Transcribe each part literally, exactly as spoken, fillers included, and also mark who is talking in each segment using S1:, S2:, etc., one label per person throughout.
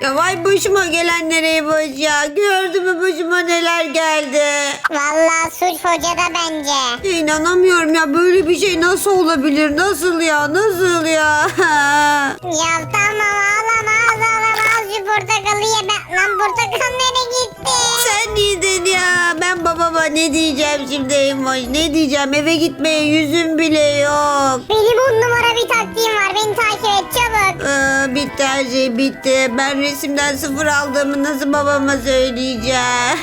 S1: Ya vay başıma gelenlere boş ya. Gördün mü başıma neler geldi.
S2: Vallahi suç hocada bence.
S1: İnanamıyorum ya, böyle bir şey nasıl olabilir? Nasıl ya? Nasıl ya?
S2: Ya tamam ağlama ağlama al şu portakalı ye. Ben... Lan portakal nereye gitti?
S1: Sen yedin ya. Ben babama ne diyeceğim şimdi Emoş? Ne diyeceğim? Eve gitmeye yüzüm bile yok.
S2: Benim on numara bir taktiğim var. Beni takip et çabuk.
S1: Aa, bitti her şey bitti. Ben resimden sıfır aldığımı nasıl babama söyleyeceğim?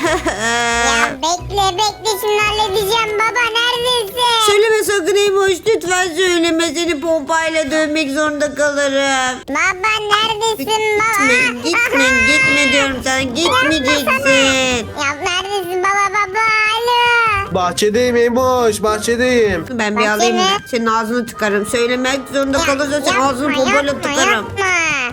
S2: Ya bekle bekle şimdi halledeceğim baba neredesin?
S1: Söyleme sakın Emoş, lütfen söyleme. Seni pompayla dövmek zorunda kalırım.
S2: Baba neredesin baba?
S1: Gitme, gitme, gitme diyorum sana. Gitmeyeceksin.
S2: Ya neredesin baba baba alo.
S3: Bahçedeyim Emoş, bahçedeyim.
S1: Ben bir
S2: Bahçe
S1: alayım.
S2: mi?
S1: Senin ağzını tıkarım. Söylemek zorunda kalırsan senin ağzını pompayla tıkarım.
S2: yapma.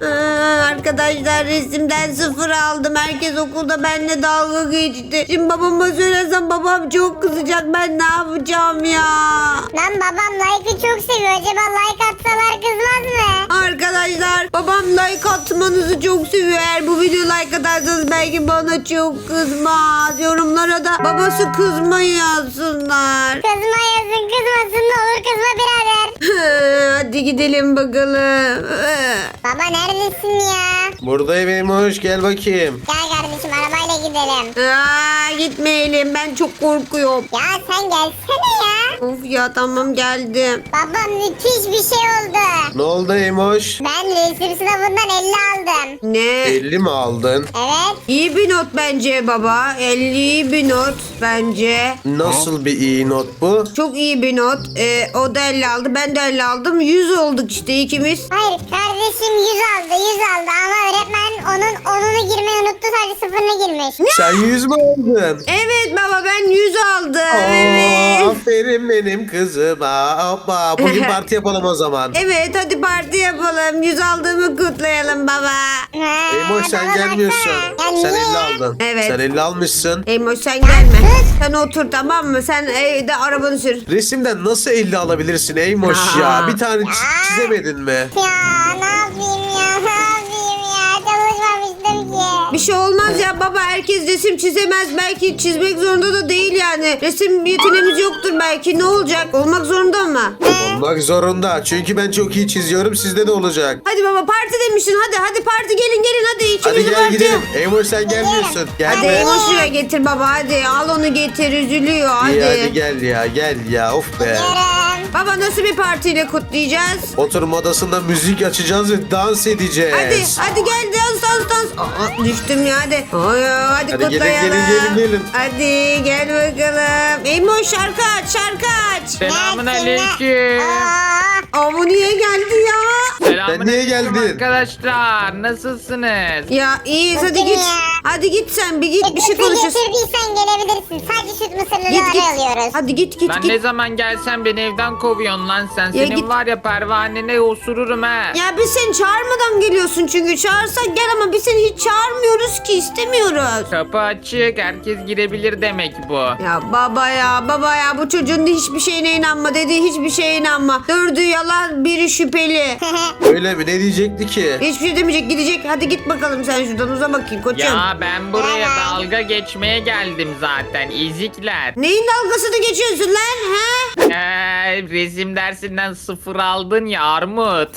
S1: Aa, arkadaşlar resimden sıfır aldım. Herkes okulda benimle dalga geçti. Şimdi babama söylesem babam çok kızacak. Ben ne yapacağım ya?
S2: Lan babam like'ı çok seviyor. Acaba like atsalar kızmaz mı?
S1: Arkadaşlar babam like atmanızı çok seviyor. Eğer bu video like atarsanız belki bana çok kızmaz. Yorumlara da babası kızmayı yazsınlar.
S2: Kızma yazın kızmasın ne olur kızma birader.
S1: Hadi gidelim bakalım.
S2: Baba neredesin ya?
S3: Buradayım Emoş, gel bakayım.
S2: Gel kardeşim arabayla gidelim.
S1: Aa, gitmeyelim, ben çok korkuyorum.
S2: Ya sen gelsene ya.
S1: Of ya, tamam geldim.
S2: Baba müthiş bir şey oldu.
S3: Ne oldu Emoş?
S2: Ben resim sınavından elli aldım.
S1: Ne?
S3: elli mi aldın?
S2: Evet.
S1: İyi bir not bence baba. elli iyi bir not bence.
S3: Nasıl bir iyi not bu?
S1: Çok iyi bir not. Ee, o da elli aldı, ben de elli aldım. yüz olduk işte ikimiz.
S2: Hayır kardeşim yüz aldı yüz aldı ama öğretmen onun onunu girmeyi unuttu sadece sıfırını girmiş.
S3: Sen yüz mü aldın?
S1: Evet baba, ben yüz aldım.
S3: Oo,
S1: Evet.
S3: aferin benim kızıma. Hoppa, bugün parti yapalım o zaman.
S1: Evet, hadi parti yapalım. yüz aldığımı kutlayalım baba.
S2: Ha,
S3: Emoş sen
S2: bana
S3: gelmiyorsun.
S2: baksana. Ya
S3: Sen
S2: niye?
S3: elli aldın.
S1: Evet.
S3: Sen elli almışsın.
S1: Eymoş sen gelme. Sen otur, tamam mı? Sen evde arabanı sür.
S3: Resimden nasıl elli alabilirsin Emoş
S1: Aa.
S3: ya? Bir tane çi- çizemedin mi?
S2: Ya ne yapayım ya ne yapayım ya çalışmamıştım ki.
S1: Bir şey olmaz ya baba, herkes resim çizemez. Belki çizmek zorunda da değil yani. Resim yeteneğimiz yoktur belki. Ne olacak? Olmak zorunda mı?
S3: Olmak zorunda. Çünkü ben çok iyi çiziyorum. Sizde de olacak.
S1: Hadi baba, parti demişsin. Hadi hadi parti, gelin gelin hadi.
S3: Hadi
S1: İkimizi
S3: gel
S1: parti.
S3: gidelim. Emoş sen gelmiyorsun. Gel
S1: Hadi
S3: be.
S1: Eymoş şuraya getir baba, hadi. Al onu getir, üzülüyor hadi.
S3: İyi hadi gel ya gel ya of be.
S2: Yarın.
S1: Baba nasıl bir partiyle kutlayacağız?
S3: Oturma odasında müzik açacağız ve dans edeceğiz.
S1: Hadi hadi gel, dans dans dans. Aa, düştüm ya hadi. Ay, hadi,
S3: Hadi gelin,
S1: kutlayalım.
S3: gelin, gelin, gelin.
S1: Hadi gel bakalım. Eymoş şarkı aç, şarkı aç.
S4: Selamun
S2: Neredesin?
S4: aleyküm.
S2: Aa,
S1: Aa, bu niye geldi ya?
S4: Selamun
S3: Sen niye
S4: aleyküm
S3: geldin?
S4: arkadaşlar. Nasılsınız?
S1: Ya iyiyiz, hadi
S2: Nasıl
S1: git.
S2: ya?
S1: Hadi git sen, bir git, bir şey
S2: Sütü
S1: konuşuruz.
S2: getirdiysen gelebilirsin. Sadece süt mısırları
S1: Git git.
S2: alıyoruz.
S1: Hadi git git
S4: Ben
S1: git.
S4: ne zaman gelsem beni evden kovuyorsun lan sen. Senin
S1: git.
S4: var ya pervanene osururum ha.
S1: Ya biz seni çağırmadan geliyorsun çünkü. Çağırsak gel ama biz seni hiç çağırmıyoruz ki, istemiyoruz.
S4: Kapı açık, herkes girebilir demek bu.
S1: Ya baba ya baba ya, bu çocuğun da hiçbir şeyine inanma, dediği hiçbir şeye inanma. Dördü yalan, biri şüpheli.
S3: Öyle mi? Ne diyecekti ki?
S1: Hiçbir şey demeyecek, gidecek. Hadi git bakalım sen şuradan, uza bakayım koçum.
S4: Ya ben buraya
S2: Merhaba.
S4: dalga geçmeye geldim zaten. İzikler.
S1: Neyin dalgasını geçiyorsun lan ha?
S4: Ee, resim dersinden sıfır aldın ya Armut.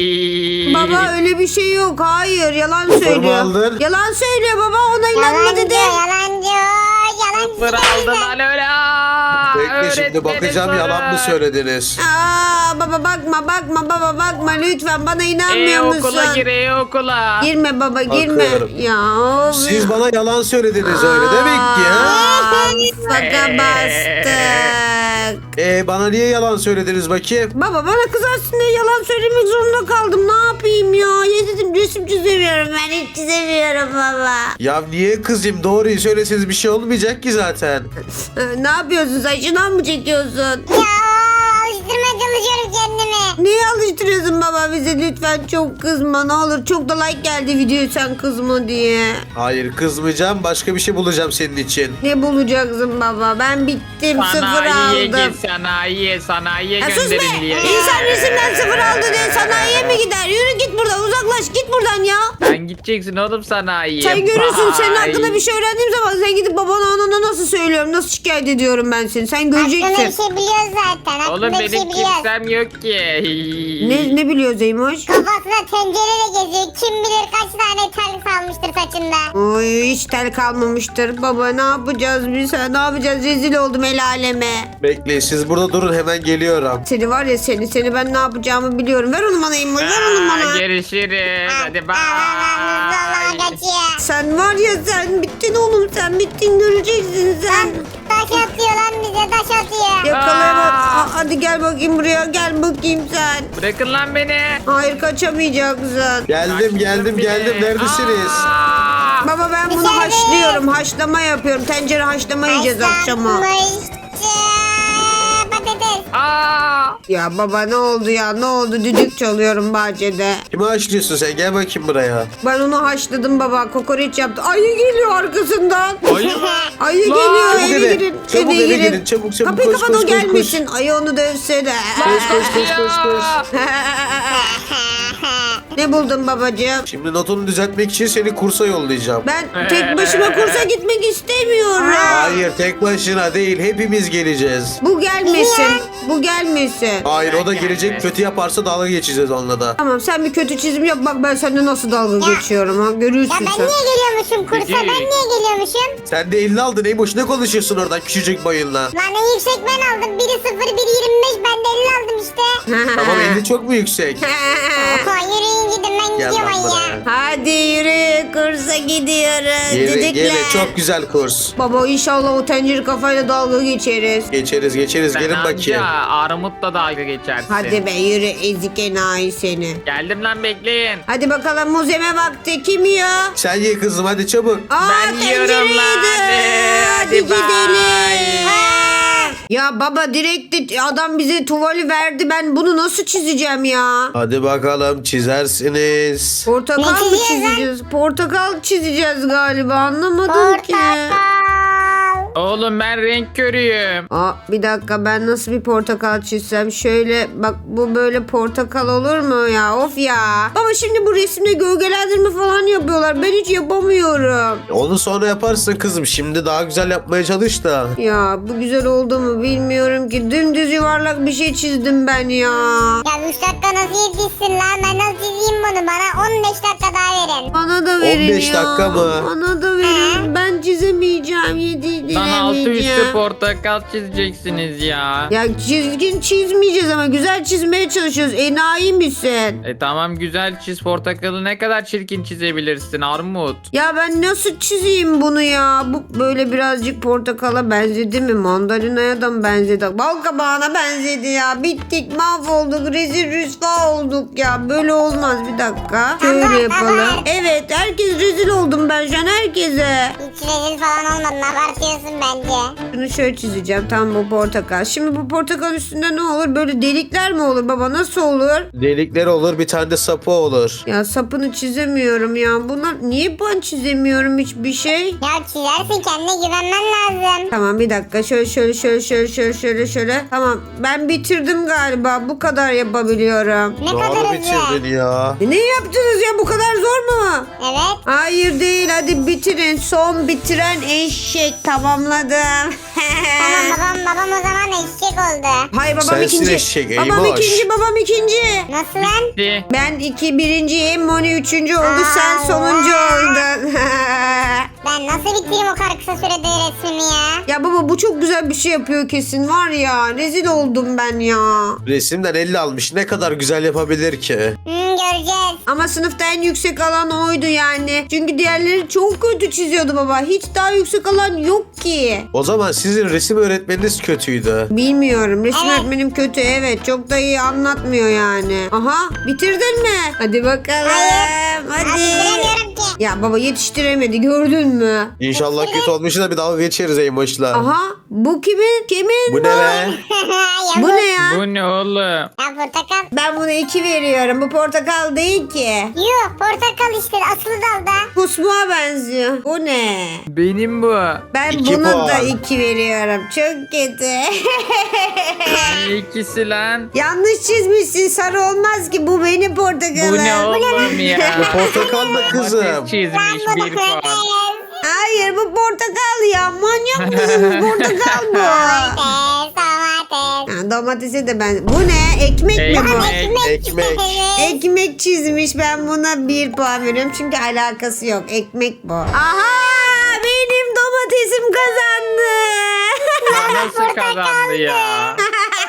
S1: Baba öyle bir şey yok, hayır, yalan
S3: mu
S1: söylüyor.
S3: aldın?
S1: Yalan söylüyor baba, ona inanma
S2: Yalancı
S1: dedi.
S2: yalancı yalancı.
S4: Sıfır aldın lan öyle. Aa,
S3: Bekle şimdi
S4: öğretmenim
S3: bakacağım yalan mı
S4: sorun.
S3: söylediniz?
S1: Aa, baba bakma bakma baba bakma, lütfen bana
S4: E
S1: inanmıyor musun?
S4: okula gir e okula.
S1: Girme baba, girme.
S3: Bakıyorum.
S1: Ya of.
S3: Siz bana yalan söylediniz öyle demek ki ha?
S1: Aa, Faka bastık.
S3: Ee, bana niye yalan söylediniz bakayım?
S1: Baba bana kızarsın diye yalan söylemek zorunda kaldım. Ne yapayım ya? Ya dedim resim çizemiyorum ben, hiç çizemiyorum baba.
S3: Ya niye kızayım? Doğruyu söyleseniz bir şey olmayacak ki zaten.
S1: Ee, Ne yapıyorsun sen? Şınav mı çekiyorsun?
S2: Ya işte alıştırmaya çalışıyorum kendimi.
S1: Neye alıştırıyorsun baba bize, lütfen çok kızma ne olur. Çok da like geldi videoya sen kızma diye.
S3: Hayır kızmayacağım. Başka bir şey bulacağım senin için.
S1: Ne bulacaksın baba? Ben bittim, sıfır
S4: Sanayiye
S1: aldım.
S4: git sanayiye sanayiye
S1: Ya sus be!
S4: gönderin diye.
S1: İnsan resimden sıfır aldı diye sanayiye mi gider? Yürü git buradan, uzaklaş git buradan ya.
S4: Sen gideceksin oğlum sanayiye.
S1: Sen görürsün, senin
S4: Bye.
S1: hakkında bir şey öğrendiğim zaman sen gidip babana anana nasıl söylüyorum, nasıl şikayet ediyorum ben seni. Sen
S2: Hakkında bir
S1: göreceksin.
S2: şey biliyoruz zaten. Hakkında
S4: Oğlum
S2: bir şey
S4: benim
S2: biliyoruz.
S4: kimsem yok ki.
S1: Ne, ne biliyor Zeymoş?
S2: Kafasına tencereyle geziyor. Kim bilir kaç tane tel salmıştır saçında.
S1: Oy hiç tel kalmamıştır. Baba ne yapacağız biz? Ha, ne yapacağız? Rezil oldum el aleme.
S3: Bekleyin siz burada durun hemen geliyorum.
S1: Seni var ya seni, seni ben ne yapacağımı biliyorum. Ver onu bana İmmoş, ver onu
S4: Aa,
S1: bana.
S4: Görüşürüz. Hadi
S2: Aa, aa, aa,
S4: bye.
S2: kaçıyor.
S1: Sen var ya sen bittin oğlum, sen bittin, göreceksin sen.
S2: Taş atıyor lan bize taş atıyor.
S1: Yakalayamam.
S4: Aa.
S1: Aa, hadi gel bakayım buraya, gel bakayım sen.
S4: Bırakın lan beni.
S1: Hayır kaçamayacaksın.
S3: Geldim geldim geldim. Neredesiniz?
S4: Aa!
S1: Baba ben bunu
S2: Dışarı.
S1: haşlıyorum, haşlama yapıyorum. Tencere haşlama yiyeceğiz akşama.
S2: Haşlanmış, eee, patates.
S4: Aa!
S1: Ya baba ne oldu ya, ne oldu? Düdük çalıyorum bahçede.
S3: Kimi açlıyorsun sen? Gel bakayım buraya.
S1: Ben onu haşladım baba, kokoreç yaptı. Ayı geliyor arkasından.
S4: Ayı mı?
S1: Ayı
S4: Lan,
S1: geliyor,
S3: çabuk
S1: eve
S3: eve.
S1: girin.
S3: Çabuk
S1: eve
S3: eve
S1: girin.
S3: girin. Çabuk, çabuk,
S1: Kapıyı
S3: koş,
S1: kapat,
S3: koş,
S1: o
S3: koş, koş.
S1: gelmesin. Ayı onu dövse de.
S3: Koş koş koş koş koş.
S1: Ne buldun babacığım?
S3: Şimdi notunu düzeltmek için seni kursa yollayacağım.
S1: Ben tek başıma kursa gitmek istemiyorum.
S3: Hayır tek başına değil hepimiz geleceğiz.
S1: Bu gelmesin. Bu gelmesin.
S3: Hayır o da
S4: Gelme.
S3: gelecek kötü yaparsa dalga geçeceğiz onunla da.
S1: Tamam sen bir kötü çizim yap, bak ben seninle nasıl dalga geçiyorum ha,
S2: Ya
S1: görürsün
S2: ben
S1: sen.
S2: niye geliyormuşum kursa? Ben niye geliyormuşum?
S3: Sen de elli aldın Eymoş ne konuşuyorsun oradan küçücük bayınla.
S2: Lan en yüksek ben aldım. Biri sıfır, biri yirmi beş. Ben de elli aldım işte.
S3: Tamam elli çok mu yüksek?
S2: Oha yürüyün gidin ben
S3: Gel
S2: gidiyorum
S3: lan
S2: ay ya.
S3: buraya.
S1: Hadi yürü, kursa gidiyoruz.
S3: Gele,
S1: Düdükle.
S3: gele çok güzel kurs.
S1: Baba inşallah o tencere kafayla dalga geçeriz.
S3: Geçeriz geçeriz
S4: Sen
S3: gelin
S4: anca
S3: bakayım.
S4: armutla dalga geçersin.
S1: Hadi be yürü ezik enayi seni.
S4: Geldim lan bekleyin.
S1: Hadi bakalım muzeme vakti, kim yiyor?
S3: Sen ye kızım hadi çabuk.
S1: Aa,
S4: Ben yiyorum
S1: tencereydi.
S4: lan.
S1: Hadi
S4: Hadi
S1: gidelim.
S4: bye.
S1: Ya baba direkt de- adam bize tuvali verdi. Ben bunu nasıl çizeceğim ya?
S3: Hadi bakalım çizersiniz.
S1: Portakal
S2: Ne
S1: mı
S2: çizeceğiz lan?
S1: çizeceğiz? Portakal çizeceğiz galiba. Anlamadım ki.
S2: Portakal.
S4: Oğlum ben renk körüyüm.
S1: Aa, bir dakika ben nasıl bir portakal çizsem? Şöyle bak, bu böyle portakal olur mu ya? Of ya. Baba şimdi bu resimde gölgelendirme falan yapıyorlar. Ben hiç yapamıyorum.
S3: Onu sonra yaparsın kızım. Şimdi daha güzel yapmaya çalış da.
S1: Ya bu güzel oldu mu bilmiyorum ki. Dümdüz yuvarlak bir şey çizdim ben ya.
S2: Ya üç dakika nasıl yetişsin lan? Ben nasıl çizeyim bunu? Bana on beş dakika daha verin.
S1: Bana da verin
S3: on beş
S1: ya.
S3: dakika mı?
S1: Bana da verin. Ben çizemeyeceğim. Yedi
S4: Lan altı üstü
S1: dilemeyeceğim.
S4: portakal çizeceksiniz ya.
S1: Ya çizgin çizmeyeceğiz ama güzel çizmeye çalışıyoruz. Enayi misin?
S4: E tamam güzel çiz, portakalı ne kadar çirkin çizebilirsin Armut.
S1: Ya ben nasıl çizeyim bunu ya? Bu böyle birazcık portakala benzedi mi? Mandalinaya da mı benzedi? Bal kabağına benzedi ya. Bittik, mahvolduk, rezil rüsva olduk ya. Böyle olmaz, bir dakika. Şöyle yapalım. Evet, herkes rezil oldum ben şu an, herkese.
S2: Hiç rezil falan olmadın. Abartıyorsun bence.
S1: Şunu şöyle çizeceğim. Tam bu portakal. Şimdi bu portakal üstünde ne olur? Böyle delikler mi olur baba? Nasıl olur?
S3: Delikler olur bir tane de sapı olur.
S1: Ya sapını çizemiyorum ya. Bunlar niye ben çizemiyorum hiçbir şey?
S2: Ya çizersin, kendine güvenmen lazım.
S1: Tamam bir dakika. Şöyle şöyle şöyle şöyle şöyle şöyle şöyle. Tamam ben bitirdim galiba. Bu kadar yapabiliyorum.
S2: Ne kadar
S3: Doğru
S2: hızlı.
S3: bitirdin ya.
S1: E, ne yaptınız ya? Bu kadar zor mu?
S2: Evet.
S1: Hayır değil. Hadi bitirin. Son bitiren eşek. Tamamladım.
S2: Tamam babam babam o zaman eşek oldu.
S1: Hayır babam
S3: Sensin
S1: ikinci.
S3: eşek,
S1: babam
S3: Eymoş.
S1: ikinci. Babam ikinci.
S2: Nasıl lan?
S4: Bitti.
S1: Ben iki birinciyim. Moni üçüncü oldu. Sen
S2: Aa,
S1: sonuncu
S2: vay.
S1: oldun.
S2: Ben nasıl bitireyim o kadar kısa sürede resmimi ya?
S1: Ya baba bu çok güzel bir şey yapıyor kesin var ya. Rezil oldum ben ya.
S3: Resimden elli almış ne kadar güzel yapabilir ki.
S2: Hmm, göreceğiz.
S1: Ama sınıfta en yüksek alan oydu yani. Çünkü diğerleri çok kötü çiziyordu baba. Hiç daha yüksek alan yok ki.
S3: O zaman sizin resim öğretmeniniz kötüydü.
S1: Bilmiyorum. Resim
S2: Evet.
S1: öğretmenim kötü. Evet. Çok da iyi anlatmıyor yani. Aha. Bitirdin mi? Hadi bakalım.
S2: Hayır.
S1: Hadi.
S2: Abi bilemiyorum ki.
S1: Ya baba yetiştiremedi. Gördün mü?
S3: İnşallah kötü olmuş da bir dalga geçeriz Eymoş'la.
S1: Aha bu kimin? Kimin
S3: Bu ne be?
S2: Ya
S1: Bu ne ya?
S4: Bu ne oğlum?
S2: Ya portakal.
S1: Ben buna iki veriyorum. Bu portakal değil ki.
S2: Yuh portakal işte asılı dalda.
S1: Kusmuğa benziyor. Bu ne?
S4: Benim bu.
S1: Ben
S3: İki
S1: buna
S3: puan.
S1: da iki veriyorum. Çok kötü.
S4: Ne ikisi lan?
S1: Yanlış çizmişsin. Sarı olmaz ki. Bu benim portakalım.
S4: Bu ne oğlum ya?
S3: Portakal da kızım.
S4: Domates çizmiş bir puan.
S1: Hayır bu portakal ya. Manyak mısınız? Portakal bu.
S2: Domates, domates.
S1: Ha, domatese de ben. Bu ne? Ekmek mi bu?
S4: Ekmek.
S3: Ekmek.
S1: Ekmek çizmiş. Ben buna bir puan veriyorum. Çünkü alakası yok. Ekmek bu. Aha! Benim domatesim kazandı.
S4: Nasıl kazandı ya?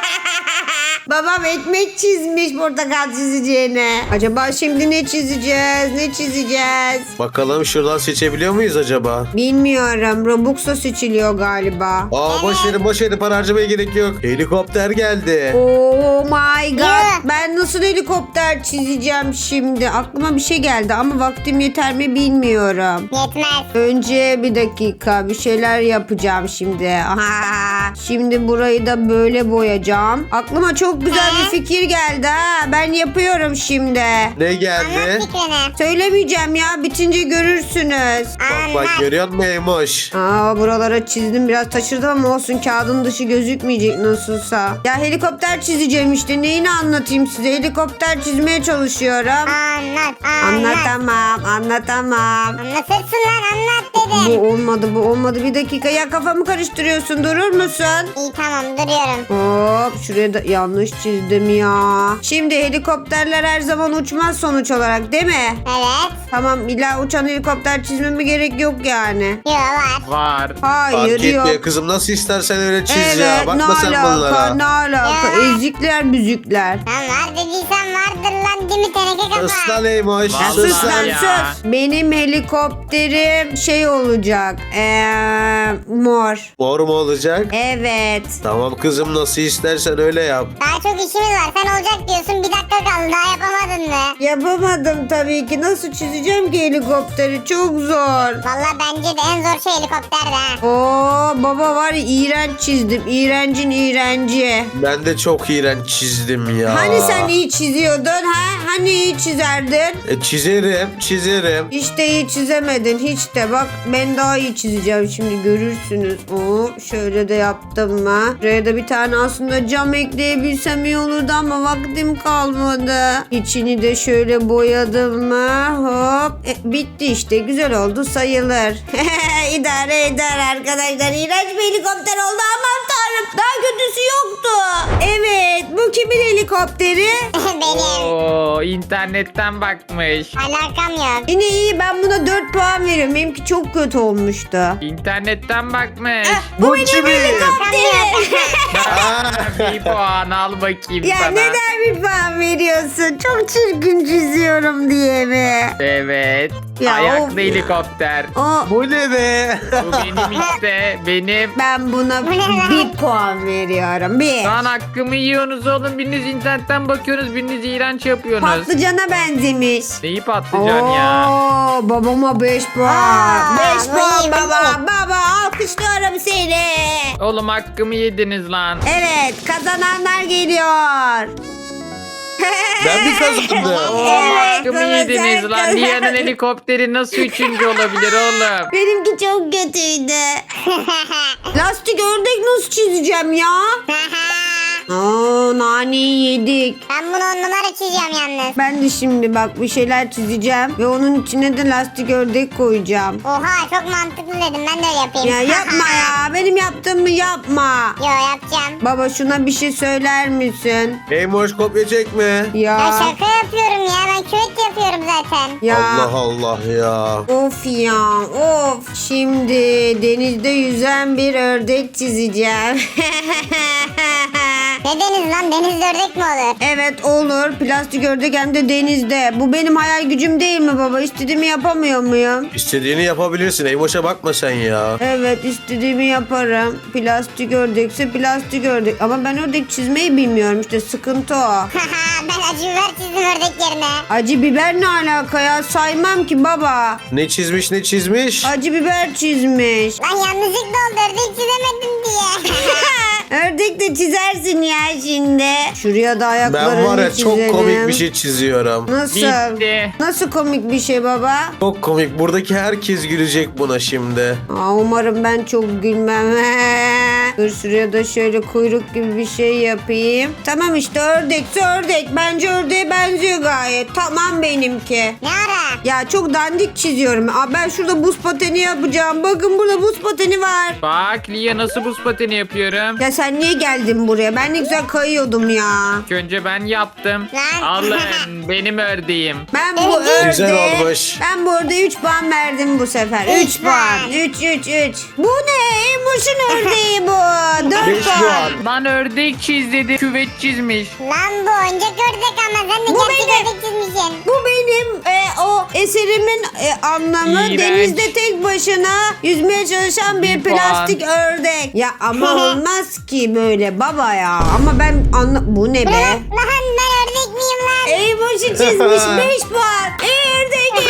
S1: Babam ekmek çizmiş portakal çizeceğine. Acaba şimdi ne çizeceğiz? Ne çizeceğiz?
S3: Bakalım şuradan seçebiliyor muyuz acaba?
S1: Bilmiyorum. Robux'a seçiliyor galiba.
S3: Aa boş verin boş verin, para harcamaya gerek yok. Helikopter geldi.
S1: Oh my god.
S2: Yeah.
S1: Ben nasıl helikopter çizeceğim şimdi? Aklıma bir şey geldi ama vaktim yeter mi bilmiyorum.
S2: Yetmez.
S1: Önce bir dakika bir şeyler yapacağım şimdi. Aha. Şimdi burayı da böyle boyayacağım. Aklıma çok güzel bir fikir geldi ha. Ben yapıyorum şimdi.
S3: Ne
S2: Anlat
S3: geldi?
S2: fikrini.
S1: Söylemeyeceğim ya. Bitince görürsünüz.
S3: Bak bak
S2: Anlat.
S3: görüyor musun Eymoş?
S1: Aa buralara çizdim biraz taşırdım ama olsun kağıdın dışı gözükmeyecek nasılsa. Ya helikopter çizeceğim işte neyini anlatayım size helikopter çizmeye çalışıyorum.
S2: Anlat. Anlat.
S1: Anlatamam anlatamam.
S2: Anlatırsın lan anlat
S1: Bu
S2: dedim.
S1: olmadı bu olmadı bir dakika ya kafamı karıştırıyorsun durur musun?
S2: İyi tamam duruyorum.
S1: Hop şuraya da yanlış çizdim ya. Şimdi helikopterler her zaman uçmaz sonuç olarak değil mi?
S2: Evet.
S1: Tamam illa uçan helikopter çizmeme gerek yok yani.
S2: Yo var.
S4: Var.
S1: Hayır
S3: Fark
S1: yok.
S3: etmiyor kızım, nasıl istersen öyle çiz
S1: Evet
S3: ya.
S1: ne
S3: Bakma sen
S1: alaka
S3: bunlara.
S1: ne alaka
S2: Ya.
S1: ezikler büzükler.
S2: Lan var dediysen vardır lan değil mi teneke kafa?
S3: Sus lan Eymoş.
S4: Vallahi
S1: Sus
S3: Sus
S1: lan
S3: lan.
S4: ya.
S1: sus. Benim helikopterim şey olacak. Eee mor.
S3: Mor mu olacak?
S1: Evet.
S3: Tamam kızım, nasıl istersen öyle yap.
S2: Daha çok işimiz var. Sen olacak diyorsun. Bir dakika kaldı. Daha yapamadın mı?
S1: Yapamadım tabii ki. Nasıl çizeceğim ki helikopteri? Çok zor.
S2: Valla bence de en zor şey helikopterdi ha.
S1: Oo baba var ya iğrenç çizdim. İğrencin iğrenci.
S3: Ben de çok iğrenç çizdim ya.
S1: Hani sen iyi çiziyordun ha? Hani iyi çizerdin?
S3: E, çizerim çizerim.
S1: Hiç de iyi çizemedin hiç de. Bak ben daha iyi çizeceğim şimdi görürsünüz. Oo, şöyle de yaptım mı? Buraya da bir tane aslında cam ekleyebilsem iyi olurdu ama vaktim kalmadı. İçini de şöyle boyadım mı? Hop. E, bitti işte. Güzel oldu sayılır. İdare eder arkadaşlar. İğrenç bir helikopter oldu. Aman tanrım. Daha kötüsü yoktu. Evet. Bu kimin helikopteri?
S2: Benim.
S4: Oo, internetten bakmış.
S2: Alakam yok.
S1: Yine iyi. Ben buna dört puan veriyorum. Benimki çok kötü olmuştu.
S4: İnternetten bakmış.
S1: Bu
S3: Bu
S1: benim
S3: kimin?
S1: helikopterim.
S4: Bir puan al bakayım
S1: Ya
S4: sana.
S1: neden bir puan veriyorsun? Çok çirkin çiziyorum diye mi?
S4: Evet.
S1: Ya
S4: Ayaklı
S1: of.
S4: helikopter.
S1: O,
S3: Bu ne be?
S4: Bu benim işte. Benim.
S1: ben buna
S2: Bu ne lan?
S1: bir puan veriyorum. Bir.
S4: Lan hakkımı yiyorsunuz oğlum. Biriniz internetten bakıyorsunuz. Biriniz iğrenç yapıyorsunuz.
S1: Patlıcana benzemiş.
S4: Neyi patlıcan ya?
S1: Oo, babama beş puan.
S2: Aa,
S1: beş
S2: bu
S1: puan
S2: iyi, bu
S1: baba.
S2: iyi.
S1: Baba alkışlıyorum seni.
S4: Oğlum hakkımı yediniz lan.
S1: Evet kazananlar geliyor.
S3: Ben mi kazandım?
S1: Evet,
S4: Hakkımı
S1: baba,
S4: yediniz
S1: sen
S4: lan.
S1: kazan-
S4: Lia'nın helikopteri nasıl üçüncü olabilir oğlum?
S1: Benimki çok kötüydü. Lastik ördek nasıl çizeceğim ya? Oo, naneyi yedik.
S2: Ben bunu on numara çizeceğim yalnız.
S1: Ben de şimdi bak bir şeyler çizeceğim ve onun içine de lastik ördek koyacağım.
S2: Oha çok mantıklı dedim. Ben de öyle yapayım.
S1: Ya yapma ya. Benim yaptığımı yapma.
S2: Yo yapacağım.
S1: Baba şuna bir şey söyler misin?
S3: Eymoş kopya çekme.
S2: Ya
S1: Ya.
S2: şaka yapıyorum ya. Ben küvet yapıyorum zaten.
S1: Ya.
S3: Allah Allah ya.
S1: Of ya of. Şimdi denizde yüzen bir ördek çizeceğim.
S2: Ne deniz lan? Denizde ördek mi olur?
S1: Evet olur. Plastik ördek hem de denizde. Bu benim hayal gücüm değil mi baba? İstediğimi yapamıyor muyum?
S3: İstediğini yapabilirsin. Eymoş'a bakma sen ya.
S1: Evet istediğimi yaparım. Plastik ördekse plastik ördek. Ama ben ördek çizmeyi bilmiyorum işte sıkıntı o.
S2: Ben acı biber çizdim ördek yerine.
S1: Acı biber ne alaka ya? Saymam ki baba.
S3: Ne çizmiş ne çizmiş?
S1: Acı biber çizmiş.
S2: Lan yanlışlıkla oldu ördek çizemedim diye.
S1: Ördek de çizersin ya şimdi. Şuraya da ayaklarını
S3: Ben var ya
S1: çizelim.
S3: çok komik bir şey çiziyorum.
S1: Nasıl?
S4: Bitti.
S1: Nasıl komik bir şey baba?
S3: Çok komik. Buradaki herkes gülecek buna şimdi.
S1: Aa, umarım ben çok gülmem. Dur şuraya da şöyle kuyruk gibi bir şey yapayım. Tamam işte ördekse ördek. Bence ördeğe benziyor gayet. Tamam benimki.
S2: Ne ara?
S1: Ya çok dandik çiziyorum. Aa, ben şurada buz pateni yapacağım. Bakın burada buz pateni var.
S4: Bak Lia nasıl buz pateni yapıyorum.
S1: Ya sen niye geldin buraya? Ben ne güzel kayıyordum ya.
S4: İlk önce ben yaptım.
S2: Lan.
S4: Alın benim ördeğim.
S1: Ben bu
S3: Güzel
S1: ördeğe...
S3: olmuş.
S1: Ben bu ördeğe üç puan verdim bu sefer.
S2: Üç
S1: üç puan. üç üç üç. Bu ne? Emoş'un ördeği bu. dört
S3: Beş
S1: puan.
S3: puan.
S4: Lan ördek çiz dedi. Küvet çizmiş.
S2: Lan bu oyuncak ördek ama sen de
S1: Bu
S2: gerçek
S1: benim.
S2: ördek çizmişsin.
S1: Bu benim e, o eserimin e, anlamı.
S4: İğrenç.
S1: Denizde tek başına yüzmeye çalışan bir
S4: Bir puan.
S1: plastik ördek. Ya ama olmaz ki böyle baba ya. Ama ben anla... Bu ne be?
S2: Lan ben ördek miyim lan?
S1: Eymoş'u çizmiş beş puan. Ördek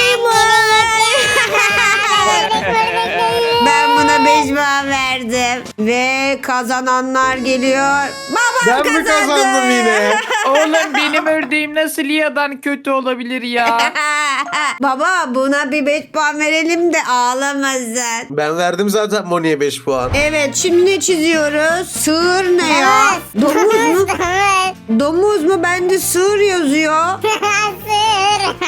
S1: Eymoş. Ben buna beş puan verdim. Ve kazananlar geliyor. Babam
S3: Ben mi
S1: kazandı.
S3: kazandım yine?
S4: Oğlum benim ördeğim nasıl Lia'dan kötü olabilir ya?
S1: Baba buna bir beş puan verelim de ağlamasın.
S3: Ben verdim zaten Moni'ye beş puan.
S1: Evet şimdi ne çiziyoruz? Sığır ne ya? Domuz mu?
S2: Domuz.
S1: Domuz mu? Bende sığır yazıyor.
S2: Sığır.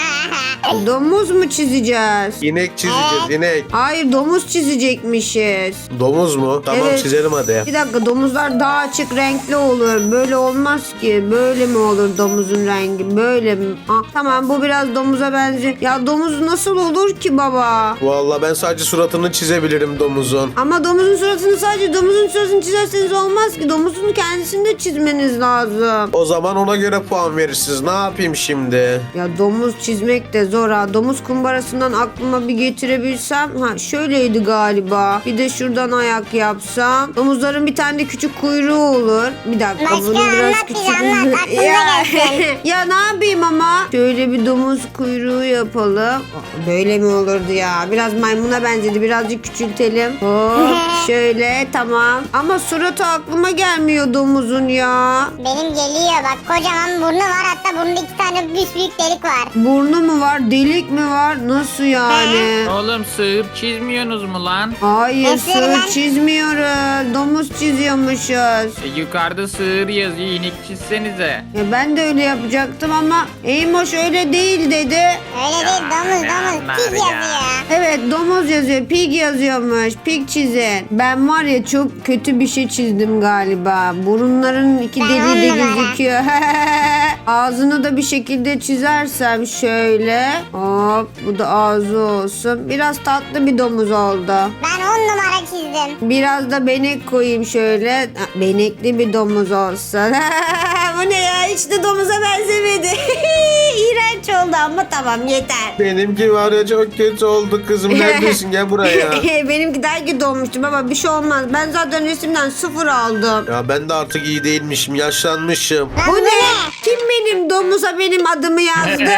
S1: Domuz mu çizeceğiz?
S3: İnek çizeceğiz inek.
S1: Hayır domuz çizecekmişiz.
S3: Domuz mu? Tamam
S1: Evet.
S3: çizelim hadi.
S1: Bir dakika domuzlar daha açık renkli olur. Böyle olmaz ki. Böyle mi olur domuzun rengi? Böyle mi? Ah, tamam bu biraz domuza benziyor. Ya domuz nasıl olur ki baba?
S3: Vallahi ben sadece suratını çizebilirim domuzun.
S1: Ama domuzun suratını sadece domuzun suratını çizerseniz olmaz ki. Domuzun kendisini de çizmeniz lazım.
S3: O zaman ona göre puan verirsiniz. Ne yapayım şimdi?
S1: Ya domuz çizmek de zor ha. Domuz kumbarasından aklıma bir getirebilsem. Ha şöyleydi galiba. Bir de şuradan ayak yapsam. Domuzların bir tane de küçük kuyruğu olur. Bir dakika
S2: Başka
S1: bunu biraz
S2: anlat
S1: küçük.
S2: bize, anlat. Aklımda
S1: ya,
S2: gelsin.
S1: ya ne yapayım ama? Şöyle bir domuz kuyruğu yapalım. Aa, böyle mi olurdu ya? Biraz maymuna benzedi. Birazcık küçültelim. Hop şöyle tamam. Ama suratı aklıma gelmiyor domuzun ya.
S2: Benim geliyor bak kocaman burnu var hatta burnunda iki tane büyük büyük delik var.
S1: Burnu mu var? Delik mi var? Nasıl yani?
S4: Oğlum sığır çizmiyorsunuz mu lan?
S1: Hayır
S2: Nasıl
S1: sığır
S2: lan?
S1: çizmiyoruz. Domuz çiziyormuşuz.
S4: E, yukarıda sığır yazıyor. İnek çizsenize.
S1: Ya ben de öyle yapacaktım ama Eymoş öyle değil dedi.
S2: Öyle değil domuz
S4: ne
S2: domuz
S4: anlar
S2: pig
S4: ya?
S2: yazıyor.
S1: Evet domuz yazıyor. Pig yazıyormuş. Pig çizin. Ben var ya çok kötü bir şey çizdim galiba. Burunların iki
S2: Ben
S1: deliği de
S2: on numara.
S1: gözüküyor. Ağzını da bir şekilde çizersem şöyle. Hop bu da ağzı olsun. Biraz tatlı bir domuz oldu.
S2: Ben on numara çizdim.
S1: Biraz da benek koyayım şöyle. Ha, benekli bir domuz olsun. Bu ne ya? Hiç de domuza benzemedi. İğrenç oldu ama tamam yeter.
S3: Benimki var ya çok kötü oldu kızım. Neredesin gel buraya.
S1: Benimki daha kötü olmuştu baba bir şey olmaz. Ben zaten resimden sıfır aldım.
S3: Ya ben de artık iyi değilmişim. Yaşlanmışım.
S2: Lan
S1: Bu ne? Kim benim domuza benim adımı yazdı?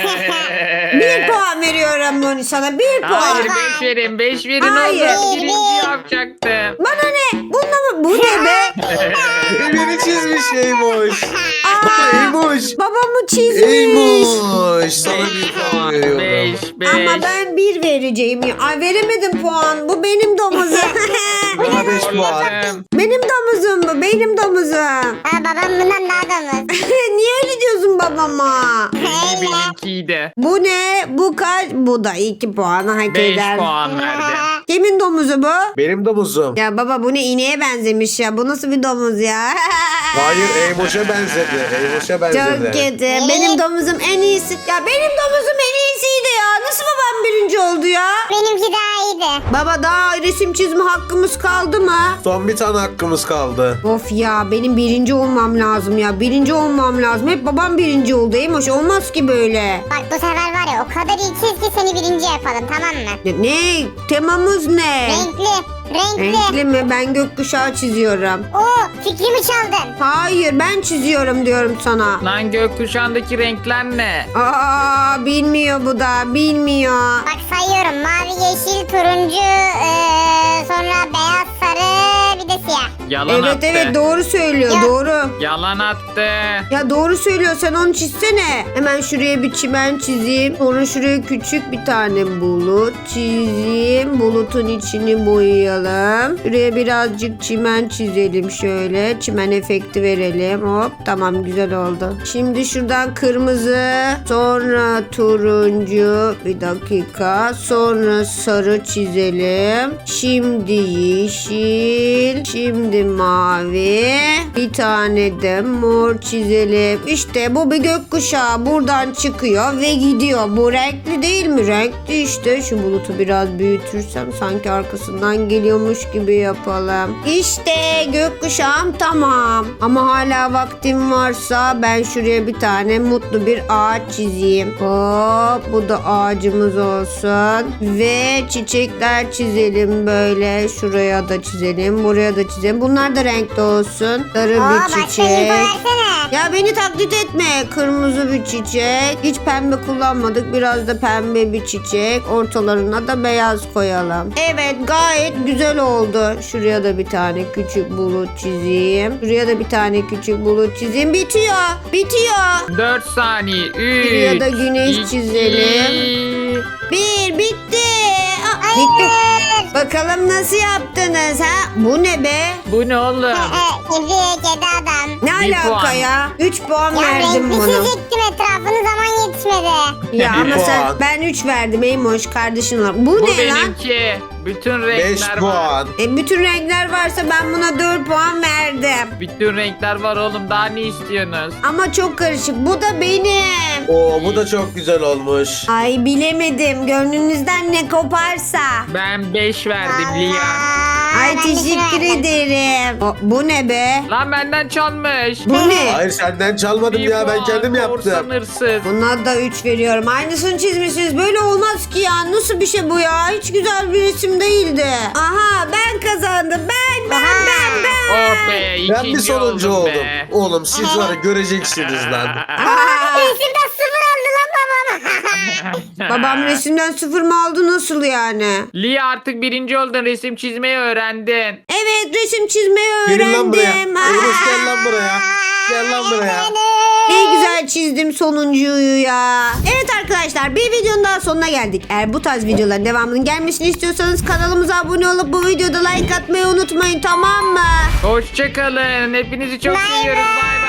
S1: Bir puan veriyorum bunu sana. Bir puan.
S4: Hayır beş verin. Beş verin
S1: Hayır.
S4: oğlum. Birinci yapacaktım.
S1: Bana ne? Bununla mı? Bu ne be?
S3: Beni çizmiş Eymoş. Eymoş.
S1: Babamı çizmiş.
S3: Eymoş. Sana bir puan veriyorum.
S4: Beş, beş.
S1: Ama ben bir vereceğim ya. Ay veremedim puan. Bu benim domuzum.
S3: Bana beş puan.
S4: Oğlum,
S1: benim domuzum bu. Benim domuzum.
S2: Ha babam bundan daha domuz.
S1: Niye öyle diyorsun babama?
S4: benimki benimkiydi.
S1: Bu ne? Bu kaç? Bu da iki puan hak
S4: Beş
S1: eder.
S4: puan verdim.
S1: Kimin domuzu bu?
S3: Benim domuzum.
S1: Ya baba bu ne ineğe benzemiş ya. Bu nasıl bir domuz ya?
S3: Hayır Eymoş'a benzedi. Eymoş'a benzedi.
S1: Çok kötü. Benim domuzum en iyisi. Ya benim domuzum en iyisiydi ya. Nasıl babam birinci oldu ya?
S2: Benimki daha iyiydi.
S1: Baba daha resim çizme hakkımız kaldı mı?
S3: Son bir tane hakkımız kaldı.
S1: Of ya benim birinci olmam lazım ya. Birinci olmam lazım. Hep babam birinci oldu. Eymoş olmaz ki böyle.
S2: Bak bu sefer var ya o kadar iyi çiz ki seni birinci yapalım, tamam mı?
S1: Ne? ne? Temamız ne?
S2: Renkli. Renkli.
S1: Renkli mi? Ben gökkuşağı çiziyorum.
S2: Oo, fikrimi çaldın.
S1: Hayır ben çiziyorum diyorum sana.
S4: Lan gökkuşağındaki renkler ne?
S1: Aa bilmiyor bu da bilmiyor.
S2: Bak sayıyorum: mavi, yeşil, turuncu, eee, sonra beyaz, sarı, bir de siyah.
S4: Yalan
S1: Evet
S4: attı.
S1: evet doğru söylüyor
S2: Ya.
S1: doğru.
S4: Yalan attı.
S1: Ya doğru söylüyor sen onu çizsene. Hemen şuraya bir çimen çizeyim. Sonra şuraya küçük bir tane bulut çizeyim. Bulutun içini boyayalım. Şuraya birazcık çimen çizelim şöyle. Çimen efekti verelim. Hop tamam güzel oldu. Şimdi şuradan kırmızı. Sonra turuncu. Bir dakika. Sonra sarı çizelim. Şimdi yeşil. Şimdi mavi. Bir tane de mor çizelim. İşte bu bir gökkuşağı. Buradan çıkıyor ve gidiyor. Bu renkli değil mi? Renkli işte. Şu bulutu biraz büyütürsem sanki arkasından geliyormuş gibi yapalım. İşte gökkuşağım tamam. Ama hala vaktim varsa ben şuraya bir tane mutlu bir ağaç çizeyim. Hop bu da ağacımız olsun. Ve çiçekler çizelim böyle. Şuraya da çizelim. Buraya da çizelim. Bunlar da renkli olsun. Sarı
S2: Oo,
S1: bir
S2: başka info
S1: çiçek.
S2: versene.
S1: Ya beni taklit etme. Kırmızı bir çiçek. Hiç pembe kullanmadık. Biraz da pembe bir çiçek. Ortalarına da beyaz koyalım. Evet gayet güzel oldu. Şuraya da bir tane küçük bulut çizeyim. Şuraya da bir tane küçük bulut çizeyim. Bitiyor. Bitiyor.
S4: dört saniye. üç.
S1: Şuraya da güneş
S4: iki,
S1: çizelim. Bir bitti. Aa, bitti.
S2: Hayır.
S1: Bakalım nasıl yaptınız ha? Bu ne be?
S4: Bu ne oğlum?
S2: Ee, Kedi, kedi adam.
S1: Ne
S4: Bir
S1: alaka
S4: puan.
S1: ya? üç puan
S2: Ya
S1: verdim
S2: renkli
S1: bunu.
S2: çizecektim, etrafını zaman yetişmedi.
S1: Ya
S3: Bir
S1: ama sen
S3: puan.
S1: ben üç verdim Eymoş kardeşin var. Bu,
S4: Bu
S1: ne lan?
S4: benimki. Bütün
S3: beş
S4: renkler var.
S3: puan.
S1: E, bütün renkler varsa ben buna dört puan verdim.
S4: Bütün renkler var oğlum. Daha ne istiyorsunuz?
S1: Ama çok karışık. Bu da benim.
S3: Oo bu da çok güzel olmuş.
S1: Ay bilemedim. Gönlünüzden ne koparsa.
S4: Ben beş verdim
S2: Allah.
S4: Lia.
S1: Ay
S2: Ben de
S1: teşekkür
S2: şunu verdim.
S1: ederim. O, bu ne be?
S4: Lan benden çalmış.
S1: Bu ne?
S3: Hayır senden çalmadım
S4: Bir
S3: ya ben
S4: puan,
S3: kendim
S4: korsan
S3: yaptım.
S4: hırsız.
S1: Buna da üç veriyorum. Aynısını çizmişsiniz. Böyle olmaz ki ya. Nasıl bir şey bu ya? Hiç güzel bir resim değildi. Aha ben kazandım. Ben ben
S2: Aha.
S1: ben ben.
S4: Oh be ikinci
S3: Ben bir sonuncu
S4: oldum
S3: oldum.
S4: be.
S3: Oğlum siz var ya göreceksiniz lan.
S1: Aa,
S2: Resimden sıfır aldı lan babam.
S1: babam resimden sıfır mı aldı nasıl yani?
S4: Lia artık birinci oldun. Resim çizmeyi öğrendin.
S1: Evet resim çizmeyi öğrendim.
S3: Gelin lan buraya.
S1: Ha.
S3: Eylül gel lan buraya. Gel lan buraya.
S1: Ne güzel çizdim sonuncuyu ya. Evet arkadaşlar bir videonun daha sonuna geldik. Eğer bu tarz videoların devamının gelmesini istiyorsanız kanalımıza abone olup bu videoda like atmayı unutmayın tamam mı?
S4: Hoşçakalın. Hepinizi çok
S2: Bay
S4: seviyoruz.
S2: bay.
S4: Bay